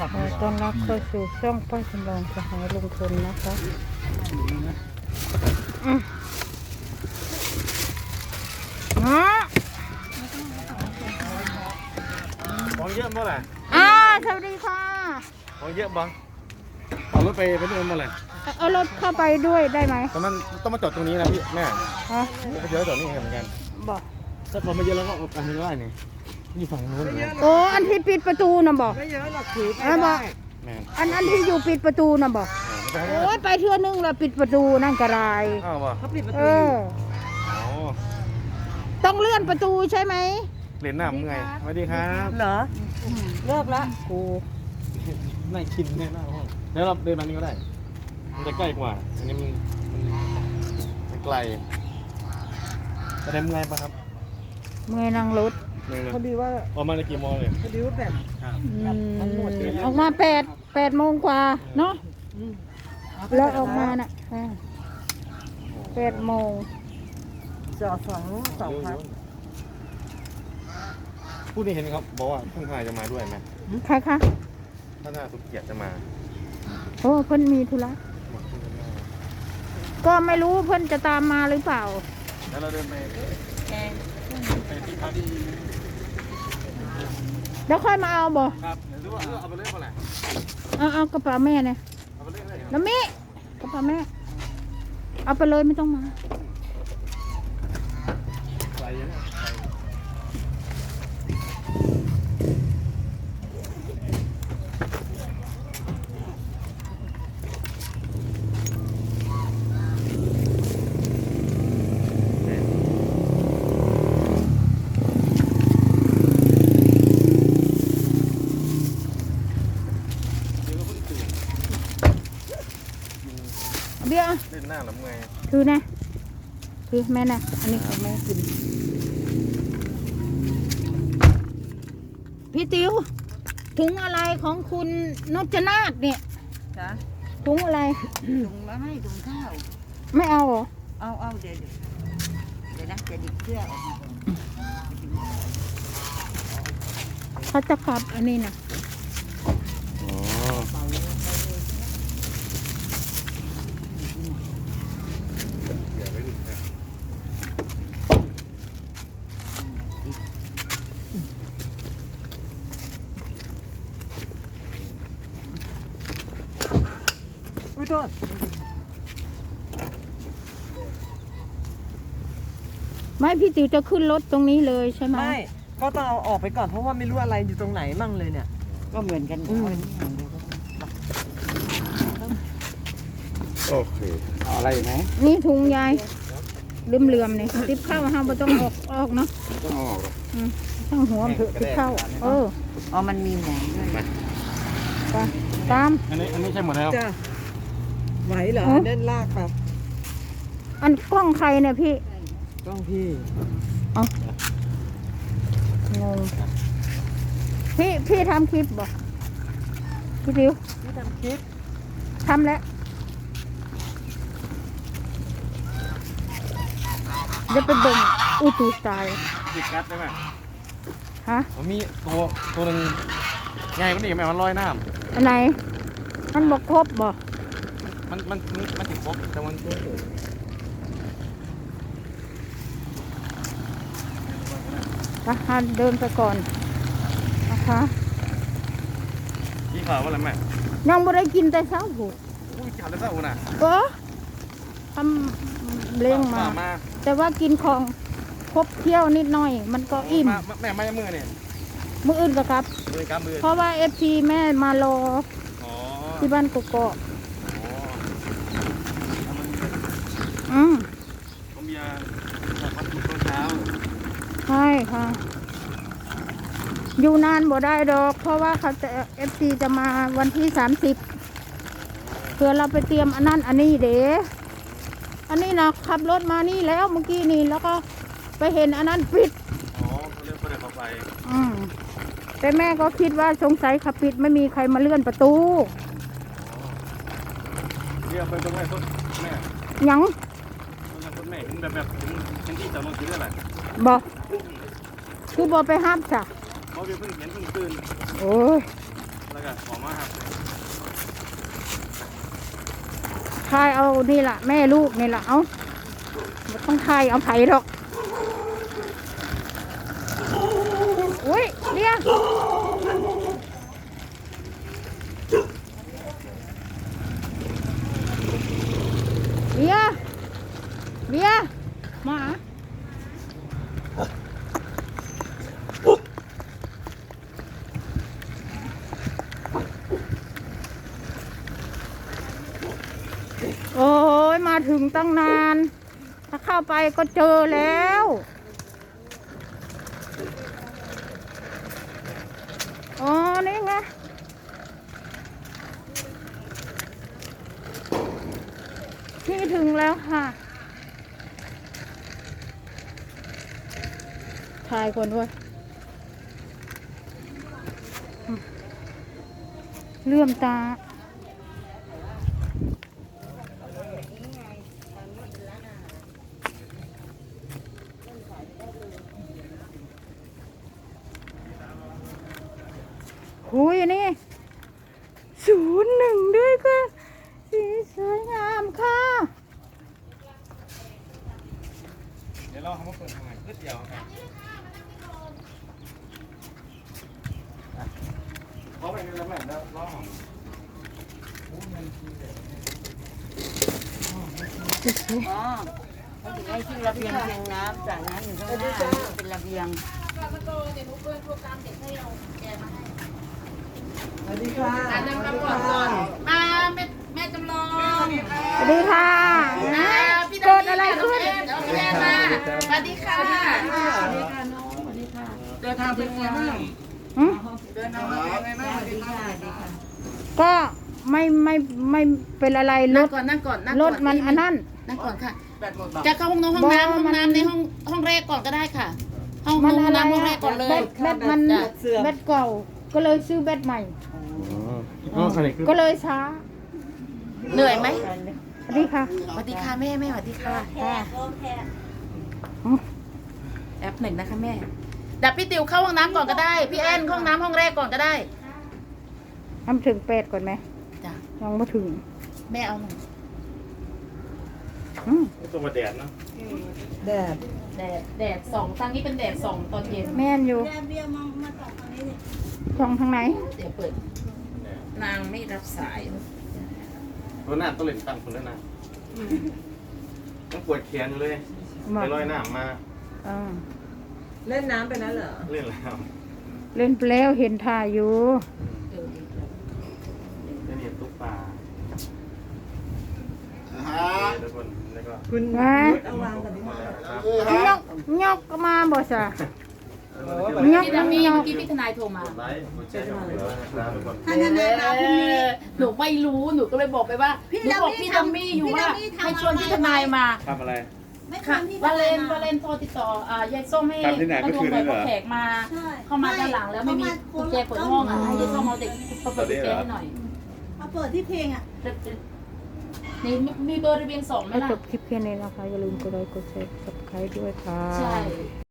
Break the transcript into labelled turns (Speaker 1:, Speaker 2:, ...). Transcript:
Speaker 1: ต้อนรับเข้าสู่ช่องป้าจำลองสหายลุงพลนะคะ
Speaker 2: ของเยอะมั้งแหละ
Speaker 1: สวัสดีค่ะ
Speaker 2: ของเยอะบ้างเอารถไปนู่นมาเลย
Speaker 1: เอารถเข้าไปด้วยได้ไหม
Speaker 2: แต่มันต้องมาจอดตรงนี้นะพี่แม่
Speaker 1: ฮะ
Speaker 2: ก็เยอะจอดนี่เหมือนกัน
Speaker 1: บอก
Speaker 2: ถ้าพอมาเยอะแล้วก็ออกกันไม่ได้นี่นี่ฝั่งนู้นนะ
Speaker 1: โอ้อันที่ปิดประตูน่ะบอก
Speaker 3: ไม่เยอะหรอกถือไป
Speaker 1: บอก
Speaker 3: ได้
Speaker 2: แม่
Speaker 1: อันที่อยู่ปิดประตูน่ะบอก
Speaker 2: ไม่ได้
Speaker 1: โอ้ยไปเทื่อนึงแล้วปิดประตูนั่นกระไร
Speaker 2: อ้าววะ
Speaker 3: เขาปิดประ
Speaker 1: เอ
Speaker 3: ตูอยู่
Speaker 1: อ
Speaker 2: อ๋อ
Speaker 1: ต้องเลื่อนประตูใช่ไหม
Speaker 2: เหรียญหน้ามึงไงสวัสดีครับ
Speaker 3: เหรอเลิกละ
Speaker 1: กู
Speaker 2: น่ากินแน่หน้าห้องแล้วเราเดินมานี่ก็ได้ มันจะใกล้กว่า อันนี้มันไกลจะได้เมื่อยปะครับ
Speaker 1: เมื่อยนั่งรถ
Speaker 2: เมื่อยเลย
Speaker 3: พอดีว่า
Speaker 2: ประมาณกี่โมงเลย
Speaker 3: พอดีว่าแบบ
Speaker 1: ออกมาแปดโมงกว่าเนาะแล้วออกมาน่ะ8 โมง
Speaker 3: จอดสองพัน
Speaker 2: ผู้นี้เห็นครับบอกว่าท่านทนายจะมาด้วยไหม
Speaker 1: ใครคะ
Speaker 2: ท่านทนายสุเกียรติจะมา
Speaker 1: โอ้เพิ่นมีธุระก็ไม่รู้เพิ่นจะตามมาหรือเปล่า
Speaker 2: แล้วเราเดินไปที่พัก
Speaker 1: แล้วค่อยมาเอาบ่
Speaker 2: ครับหรือว่าเอาไปเล่นก่อนแหละ
Speaker 1: เอากระเป๋าแม่เนี่ย
Speaker 2: เอาไปเล่นเลย
Speaker 1: น้ำมิกระเป๋าแม่ เอาไปเลยไม่ต้องมา
Speaker 2: ไกลยัง
Speaker 1: เบี้ย
Speaker 2: เล่นหน้าหรือไง
Speaker 1: ถือนะถือแม่นะอันนี้ของแม่กินพี่ติ๋วถุงอะไรของคุณนพนาถเนี่ย
Speaker 3: จ้ะ
Speaker 1: ถุงอะไร
Speaker 3: ถุงมาให้ถุงข้าว
Speaker 1: ไม่เอาเหรอ
Speaker 3: เอาเดี๋ยวนะจะดิบเสื้อออกมา
Speaker 1: เขาจะกลับอันนี้นะ
Speaker 2: อ๋อเดี๋ยวไว้ดูนะ
Speaker 3: อุ้ยโทษ
Speaker 1: ไม่พี่ติ๋วจะขึ้นรถตรงนี้เลยใช่ไหม
Speaker 3: ไม่ก็ต้องเอาออกไปก่อนเพราะว่าไม่รู้อะไรอยู่ตรงไหนมั่งเลยเนี่ย ก็เหมือนกัน
Speaker 2: โอเคเอาอะไรไหม
Speaker 1: นี่ถุงยายเหลื่อมๆเนี่ยติบเข้าห้ามไม่ต้องออกเนาะ
Speaker 2: ต้องเอาออกหรอ
Speaker 1: ต้องหัวมันเถอะติบเข้า
Speaker 3: อ๋อมันมีแหนด้วย
Speaker 1: ไปตาม
Speaker 2: อันนี้ใช่หมดแล้ว
Speaker 3: จ้ะไหวเหรอเล่นลากแบบ
Speaker 1: อันกล้องใครเนี่ยพี่
Speaker 3: ต้องพี่
Speaker 1: งงพี่ทำคลิปบ่พี่ติ๋ว
Speaker 3: ที่ทำคลิป
Speaker 1: ทำแล้วจะไปเบิ่งอุตูตาย
Speaker 2: ติดกัดได้ไหม
Speaker 1: ฮะ
Speaker 2: มันมีตัวหนึ่งใหญ่กว่านี้ไหมมันลอยน้
Speaker 1: อันไหนมันบอกครบบ่
Speaker 2: ำมันถึงครบแต่มัน
Speaker 1: ไปเดินไปก่อนนะคะ
Speaker 2: ที่ข่าวว่าอะไรแม่
Speaker 1: ยังไม่ได้กินแต่เช้าหู
Speaker 2: อุ้ยข่าวแล้วเจ้าน่ะ
Speaker 1: ก็ทำเลี้ยงมา แต่ว่ากินของครบเที่ยวนิดหน่อย มันก็อิ่ม
Speaker 2: แม่ไม่มือเนี่ย
Speaker 1: มื้ออื่นก็ครับ
Speaker 2: มือกำมือ
Speaker 1: เพราะว่าFT แม่มารอ
Speaker 2: อ๋อ
Speaker 1: ที่บ้านกกอก
Speaker 2: อ๋อ
Speaker 1: อืม
Speaker 2: ผมเบียร์จากวันศุกร์ตอนเช้า
Speaker 1: ใช่ค่ะ อยู่นานบ่ได้ดอก เพราะว่าเขาจะFT จะมาวันที่30เพื่อเราไปเตรียมอันนั้นอันนี้เด้อันนี้นะขับรถมานี่แล้วเมื่อกี้นี่แล้วก็ไปเห็นอันนั้นปิด
Speaker 2: อ๋อเขาเรียกประเด็นเข้าไป
Speaker 1: แต่แม่ก็คิดว่าสงสัยขับปิดไม่มีใครมาเลื่อนประตู
Speaker 2: เรียกไปตรงไหนต้นแม่
Speaker 1: หยัง
Speaker 2: ต้นแม่แบบเป็นที่จอดรถคิดอะไร
Speaker 1: บอกคือบอกไปห้ามจ้ะ
Speaker 2: เพราะเพิ่งเห็นเพิ่งตื่น
Speaker 1: โอ้ย
Speaker 2: เแล้วก็ขอมาครับ
Speaker 1: ทายเอานี่ล่ะแม่ลูกนี่ล่ะเอาบ่ต้องทายเอาไผหรอกอุ้ยเลี้ยงเบียร์เบียร์หมาโอ้ยมาถึงตั้งนาน ถ้าเข้าไปก็เจอแล้ว อ๋อ นี่ไง นี่ถึงแล้วค่ะ ถ่ายก่อนด้วยเลื่อมตา หุยอันนี่01ด้วยค่ะ สีสวยงามค่ะ
Speaker 2: เดี๋ยวรอเขามาเปิดทำไมนิดเดียวครับเขาไปแล้วแม่แล้วรอของ
Speaker 4: อ๋อเขาถึงให้ชื่อระเบียงเพียงน้ำจากนั้นอยู่ข้างหน้าเป็นระเบียง
Speaker 3: สวัสดีค่ะ
Speaker 4: มาแม่จำลอง
Speaker 1: สวัสดีค่ะเกิดอะไรขึ้น
Speaker 4: พี่แม่มาสวัสดีค่ะเดินทางเป็นไงบ้าง
Speaker 1: หืม
Speaker 4: เดินทางเป็นไงบ้างสวัสดีค่ะ
Speaker 1: ก็ไม่เป็นอะไรร
Speaker 4: นั่ง
Speaker 1: ถ
Speaker 4: ก่อนนั่งก่อน
Speaker 1: รถมันอันนั้น
Speaker 4: นั่งก่อนค่ะจะเข้าห้องน้ำห้องน้ำในห้องแรกก่อนก็ได้ค่ะห้อง
Speaker 1: มันอะไร
Speaker 4: น้ำห้องแร
Speaker 1: อะ
Speaker 4: กก่อนเลย
Speaker 1: แบตมันแบตเก่า ก็เลยซื้อแบตใหม่
Speaker 2: อ๋ออันนี้คือ
Speaker 1: ก็เลยช้า
Speaker 4: เหนื่อยไหม
Speaker 1: สวัสดีค่ะ
Speaker 4: สวัสดีค่ะแม่สวัสดีค่ะ
Speaker 1: อืม
Speaker 4: แอปหนึ่งนะคะแม่ดับพี่ติวเข้าห้องน้ำก่อนก็ได้พี่แอนเข้าห้องน้ำห้องแรกก่อนก็ได้
Speaker 1: ทำถึง8ก่อนไหม
Speaker 4: จ้ะ
Speaker 1: ยังไม่ถึง
Speaker 4: แม่เอาหน่อย
Speaker 1: อืม
Speaker 2: ตัวมาแดดเนาะ
Speaker 3: แดด
Speaker 4: แดดสองทางนี้เป็นแดดสองตอนเย็น
Speaker 1: แม่นอยู่ช่องทางไหน
Speaker 4: เดี๋ยวเปิด นางไม่รับสาย
Speaker 2: ตัวหน้าต้องเล่นตั้งคนแล้วนะต้องปวดแขนอยู่เลย
Speaker 1: มา
Speaker 2: ไปลอยน้ำมา
Speaker 1: อ่า
Speaker 3: เล่นน้ำไปแล้วเหรอ
Speaker 2: เล่นแล้ว
Speaker 1: เล่นไปแล้วเห็นถ่ายอยู่
Speaker 2: เล่นเห็นตุ๊กปลาทุกคนแล้วก็
Speaker 3: คุณ
Speaker 1: มา
Speaker 3: นุชเอาวางกับดิ
Speaker 2: หมดแล้วครับ
Speaker 1: ยกก็มาบ่ซะ ยก
Speaker 4: พี่ดามี่เมื่อกี้พี่ทนายโทรมา
Speaker 2: กดไลค์กดแชร์กันเลยนะครับทุกคน
Speaker 4: หนูไม่รู้หนูก็เลยบอกไปว่าหนูบอกพี่ดัมมี่อยู่ว่าให้ชวนพี่ทนายมา
Speaker 2: ทำอะไร
Speaker 4: ค่ะวาเลนโทรติดต่อยายส้มให้
Speaker 2: ทำที่ไหน
Speaker 4: มา
Speaker 2: เมื่อ
Speaker 4: ดู
Speaker 2: คืน
Speaker 4: หน่
Speaker 2: นี้
Speaker 4: อย
Speaker 2: เหรอ
Speaker 4: เพราะแขกมา เข้ามาด้านหลังแล้วไม่มีกุญแจเปิดห้องอ่ะให้ยายส้มเอาเด็กเปิดกุญแจให้หน่อย
Speaker 5: เอาเปิดที่เพลงอ่ะ
Speaker 4: นี่มีเบอร์ระเบียง2ไหม
Speaker 1: ก็
Speaker 4: ล่ะ
Speaker 1: จบคลิปแค่นี้นะคะ อย่าลืมกดไลค์กดแชร์ subscribe ด้วยค่ะ
Speaker 4: ใช่